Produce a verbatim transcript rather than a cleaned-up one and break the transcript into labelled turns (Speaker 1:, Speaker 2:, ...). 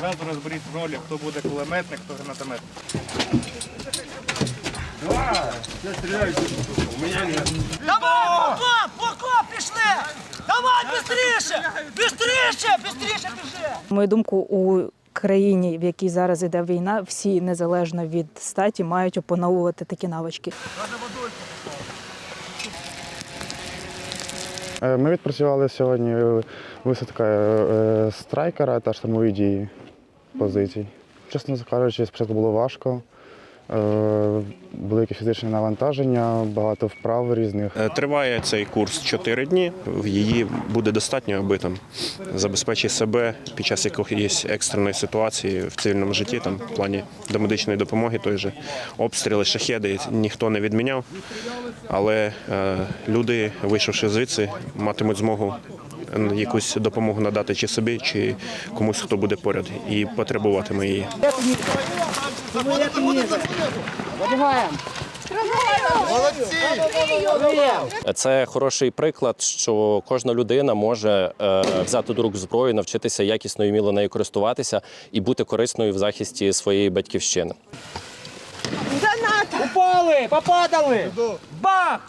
Speaker 1: Зразу розберіть ролі, хто буде кулеметник, хто гранатометник.
Speaker 2: Давай, Поко, Поко, пішли! Давай, бистріше! Бистріше, бистріше біжи!
Speaker 3: На мою думку, у країні, в якій зараз іде війна, всі, незалежно від статі, мають опановувати такі навички.
Speaker 4: Ми відпрацювали сьогодні висадка е, страйкера та штурмові дії позицій. Чесно кажучи, спочатку було важко. Е, Велике фізичне навантаження, багато вправ різних.
Speaker 5: Триває цей курс чотири дні. Її буде достатньо, аби там забезпечити себе під час якоїсь екстреної ситуації в цивільному житті, там в плані домедичної допомоги, той же обстріли, шахеди ніхто не відміняв. Але е, люди, вийшовши звідси, матимуть змогу якусь допомогу надати чи собі, чи комусь, хто буде поряд і потребуватиме її.
Speaker 6: Це хороший приклад, що кожна людина може е, взяти до рук зброю, навчитися якісно і вміло нею користуватися і бути корисною в захисті своєї батьківщини.
Speaker 2: Упали, попадали! Бах!